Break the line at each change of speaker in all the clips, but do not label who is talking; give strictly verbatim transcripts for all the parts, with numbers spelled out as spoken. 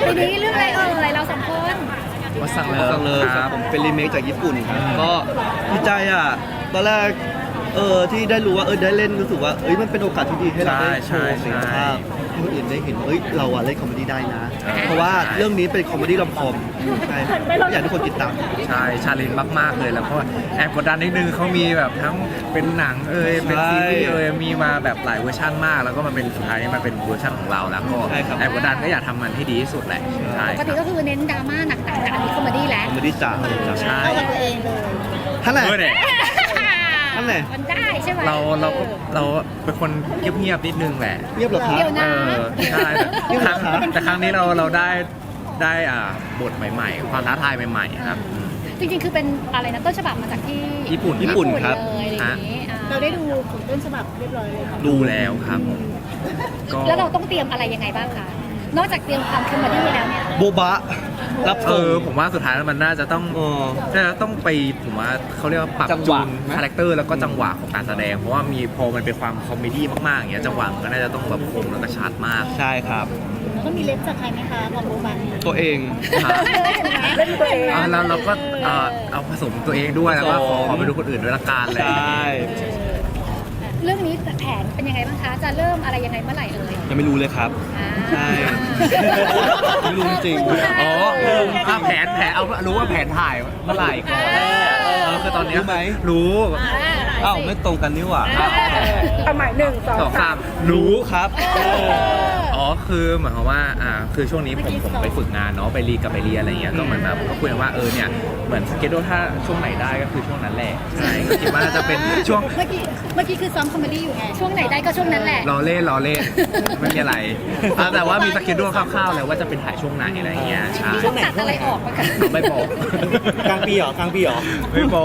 ทีนี้เรื่องอะไรเอ่ยเราสองคน
มาสั่งเลย
สั่งเลยครับผมเป็นรีเมคจากญี่ปุ่นครับก็ดีใจอ่ะตอนแรกเออที่ได้รู้ว่าเออได้เล่นรู้สึกว่าเอ้ยมันเป็นโอกาสที่ดีให้เราได้โชว์ศักยภาพให้คนอื่นได้เห็นเอ้ยเราอะเล่นคอมเมดี้ได้นะ เพราะว่าเรื่องนี้เป็นคอมเมดี้รอมคอมใช่อยากให้ทุกคนติดตาม
ใช่ชาเลนจ์มากๆเลยแล้วก็แอบกดดันนิดนึงเขามีแบบทั้งเป็นหนังเอ่ยเป็นซีรีส์เอ่ยมีมาแบบหลายเวอร์ชันมากแล้วก็มาเป็นสุดท้ายนี่มาเป็นเวอร์ชันของเราแล้วก็
ใช่ครับ
แอบกดดันก็อยากทำมันให้ดีที่สุดแหละใช่
ปกติก็คือเน้นดราม่าหนักๆแต่อันนี้คอมเมดี้แล้ว
คอมเมดี้จ๋า
ใช่
เข้ากับตัวเองเลย
ท่านไหน
เออเนี่ย
นั่นแหละ
มันได้ใช่ไหม
เราเราก็เราเป็นคนเงียบๆนิดนึงแหละ
เรียบเหรอครับ
เดี๋ยว
เอ
นะ
อใช่แต่ครั้งแต่ครั้งนี้เราเราได้ได้อ่าบทใหม่ๆ ความท้าทายใหม่ๆครับอืม
จริงๆคือเป็นอะไรนะต้นฉบับมาจากที่
ญี่ปุ่น
ญี่ปุ่นครับ
เลยอะไรอย่างนี้อ่า
เราได้ดูผลต้นฉบับเรียบร้อยเลยค่ะ
ดูแล้วครับก็
แล้วเราต้องเตรียมอะไรยังไงบ้างคะนอกจากเตรียมความคอมเมดี้แล้วเนี่ย
โบบะรับ
เอ
ส่ง
อผมว่าสุดท้ายแล้วมันน่าจะต้อง
เออ
น่าจะต้องไปผมว่าเขาเรียกว่าปรับ
จังห
จู
วะ
น
นะ
คาแรคเตอร์แล้วก็จังหวะของการแสดง เพราะว่ามีพอมันเป็นความคอมเมดี้มากๆอย่างเงี้ยจังหวะมันก็น่าจะต้องแบบคมแล้วก็ชัดมาก
ใช่ครับ
ต้องมีเล็บจากใครไหมคะของโบบัน
ตัวเอง
เล่นตัวเอง
อ่าแล้วเราก็เอ่อเอาผสมตัวเองด้วยแล้วก็ขอ
ผสม
ขอไปดูคนอื่นด้วยละกันอะไร
ใช
อย่างเงี้
่
ย
เรื่องนี้แผนเป็นยังไงบ้างคะ จะเริ่มอะไรยังไงเมื่อไหร่เอ่ย
ยังไม่รู้เลยครับ
อ่า
ใช่ ไม่รู้จริง
อ๋ออ่ะแผนแผนเอารู้ว่าแผนถ่ายเมื่อไหร่ก่อนเออคือตอนเนี้ย
รู้ไหม
รู้
อ้าวไม่ตรงกันนี่หว่า
เอาใหม่หนึ่งสอง
สอง
สา
สาม มรู้
ครับ
อ๋อคือหมายความว่าอ่าคือช่วงนี้ผมผมไปฝึกงานเนาะไปรีกับไปเรียนอะไรเงี้ยก็เหมือนแบบก็คุยกันว่าเออเนี่ยเหมือนสเกจโดถ้าช่วงไหนได้ก็คือช่วงนั้นแหละใช่ก็คิดว่าน่าจะเป็นช่วง
เมื่อกี้เมื่อกี้คือซ้อมคอมเมดี้อยู่ไง
ช่วงไหนได้ก็ช่วงนั้นแหละ
รอเล่นรอเล่นไม่มีอะไรอ่ะแต่ว่ามีสเกจโดคร่าวๆแล้วว่าจะเป็นถ่ายช่วงไหนอะไรเงี้ยใช่
นี่ต้องตัดอะไรออกปะคะ
ไม่บอก
กลางปีเหรอกลางปีเหรอ
ไม่บอก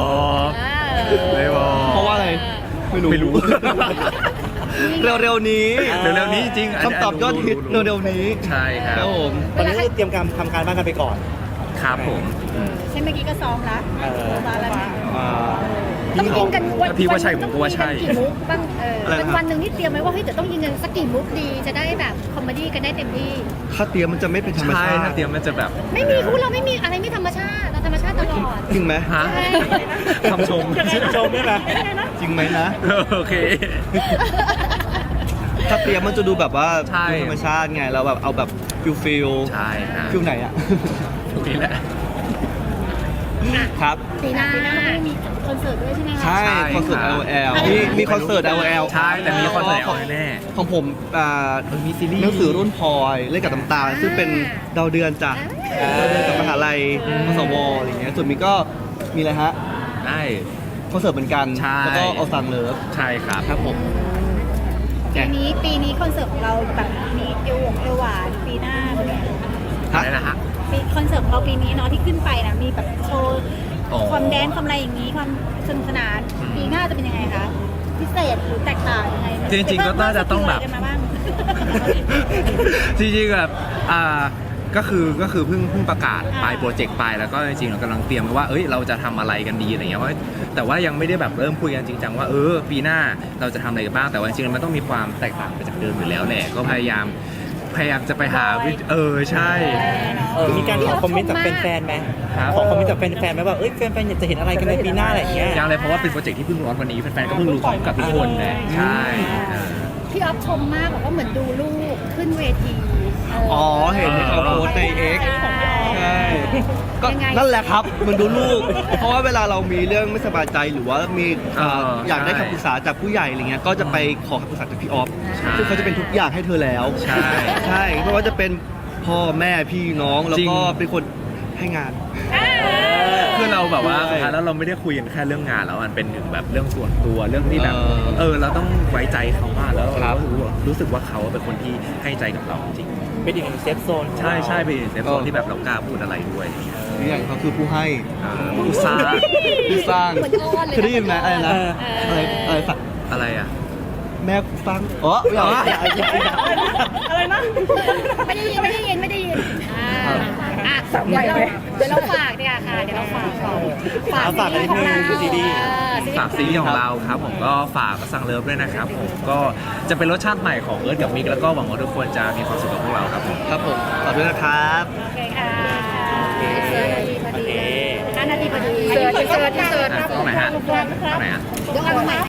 อ่า
ไม่บอก
เพราะว่าอะไร ไม่รู้
ไม่รู้
เร็วๆนี้
เร็วๆนี้จริงๆนนี้
คำตอบยอดฮิต
รู้
เร็วๆนี้
ใช่ครั
ครับ บผม
ตอนนี้ก็เตรียมการทำการบ้านกันไปก่อน
ครับผมอืม
ใช่เมื่อกี้ก็ซ้อมละ
เออ
โบบันแล้วนะ
อ่า
ต้องยิงกันวัน
พี่ว่าใช่ผมก็ว่าใช่
ต้องยิงกันกี่มุกบ้างเออ
อะไรนะ
เป็นวันหนึ่งที่เตรียมไว้ว่าเฮ้ยเดี๋ยวต้องยิงกันสักกี่มุกดีจะได้แบบคอมเมดี้กันได้เต็มที่
ถ้าเตรียมมันจะไม่เป็นธรรม
ใช่
ชาติ
ถ้าเตรียมมันจะแบบ
ไม่มีคู่เราไม่มีอะไรไม่ธรรมชาติเราธรรมชาติตลอด
จริงไหม
ฮะ
ใช่
คำชม
ชมได้ไหม
จริงไหมนะ
โอเค
ถ้าเตรียมมันจะดูแบบว่า
ใช่
ดูธรรมชาติไงเราแบบเอาแบบฟิลฟิล
ใช่ครับ
ฟิลไหนอ่ะ
ถูกนี่แหละ
ครับ
ปีหน้า
ปีหน้าไม่มีคอนเสิร์ตด้วยใช่ไหมคะ
ใช่
ใช่
คอนเสิร์ต
ครับ
แอล แอล มีมีคอนเสิร์ต แอล แอล
ใช่แต่มีคอนเสิร์ต
ของ
แน่
ของผมอ่า
เออมีซีรีส์
หนังสือรุ่นพลอยเล่นกับน้ำตาลซึ่งเป็นดาวเดือนจ้ะดาวเดือนกับมหาลัยมสวอะไรอย่างเงี้ยส่วนมีก็มีอะไรฮะ
ได้
คอนเสิร์ตเหมือนกัน
ใช่
แล้วก็เอาสั่งเลิฟ
ใช่ครับ
ครับผม
ปีนี้ปีนี้คอนเสิร์ตของเราแบบมีเอวหวงเอวหวานปีหน้าเป็นไง
อะไรนะฮะ
ปีคอนเสิร์ตของเราปีนี้เนาะที่ขึ้นไปนะมีแบบโชว์
อ๋อ
ความแดนซ์ความอะไรอย่างนี้ความสนุกสนานปีหน้าจะเป็นยังไงคะพิเศษหรือแตกต่างยังไง
จริงๆก็น่าจะต้องแบบ
เพิ่มสกิลอะไรกันมาบ้าง
จริงๆแบบอ่าก็คือก็คือเพิ่งเพิ่งประกาศไปโปรเจกต์ไปแล้วก็จริงๆเรากำลังเตรียมไว้ว่าเอ้ยเราจะทำอะไรกันดีอะไรเงี้ยว่าแต่ว่ายังไม่ได้แบบเริ่มคุยกันจริงจังว่าเออปีหน้าเราจะทำอะไรกันบ้างแต่ว่าจริงๆมันต้องมีความแตกต่างไปจากเดิมอยู่แล้วแหละก็พยายามพยายามจะไปหาวิธีเออใช่
เออมีการขอคอมเมนต์จากแฟนๆไหม
ครับ
ขอคอมเมนต์จากแฟนๆไหมว่าเอ้ยแฟนๆอยากจะเห็นอะไรกันในปีหน้าอะไรอย่างเงี้ย
ยังเลยเพราะว่าเป็นโปรเจกต์ที่เพิ่งร้อนวันนี้แฟนๆก็เพิ่งรู้พร้อมกับทุกคนเลยใช่เออ
พี่ออฟชมมากบอกว่าเหมือนดูลูกขึ้นเวทีเ
อ๋อ เห็นที่เขาโพสต์ใน X ใช่ก็นั่นแหละครับ มันดูลูก เพราะว่าเวลาเรามีเรื่องไม่สบายใจหรือว่ามีเอ่อ
เอออย
อยากได้คำปรึกษาจากผู้ใหญ่อะไรเงี้ยก็จะไปขอคำปรึกษาจากพี่ออฟ
ใช่
ซึ่งเขาจะเป็นทุกอย่างให้เธอแล้ว
ใช่
ใช่เพราะว่าจะเป็นพ่อแม่พี่น้องแล้ว
จริง
ก็เป็นคนให้งาน
คือเราแบบว่า
ใช่
สุดท้ายแล้วเราไม่ได้คุยกันแค่เรื่องงานแล้วมันเป็นถึงแบบเรื่องส่วนตัวเรื่องที่แบบ
เออ
เออเราต้องไว้ใจเขามากแล้ว
ครั
เรา
บ
รู้รู้สึกว่าเขาเป็นคนที่ให้ใจกับเราจริง
เป็นอีกหนึ่งเซฟโซน
ใช่ใช่เป็นเซฟโซนที่แบบเรากล้าพูดอะไรด้วยอะไรเงี้ย
นี่อย่างเขาคือผู้ให้
อ่าผู้สร้าง
ผู้สร้าง
เหมือนอ้อนเลยนะ
เคยได้ยินไหมอะไรนะ
เออ
อะไรอะไรสัก
อะไรอ่ะ
แม่ฟังอ๋อไม่เอาอย่าอย่าอย่า
อะไรนะ
ไม่ได้ยินไม่ได้ยินไม่ได้ยินอ่าอ่ะเดี๋ยวเราเดี๋ยวเราฝากดีกว่าค่ะเดี๋ยวเราฝากก่อน
เอาฝากกันนิดนึงซีรีส์
เออซีรีส์
ฝากซีรีส์ของเราครับผมก็ฝากสั่งเลิฟด้วยนะครับผมก็จะเป็นรสชาติใหม่ของเอิร์ธกับมิกแล้วก็หวังว่าทุกคนจะมีความสุขกับพวกเราครับผม
ครับผมขอบคุณนะครับ
โอเคค่ะ
โอเค
ห้านาทีพอดีเสิร์ชเสิร์ชเสิร์ช
อ่ะตรงไหนฮะตรงไหนฮะ
ยกอันใหม่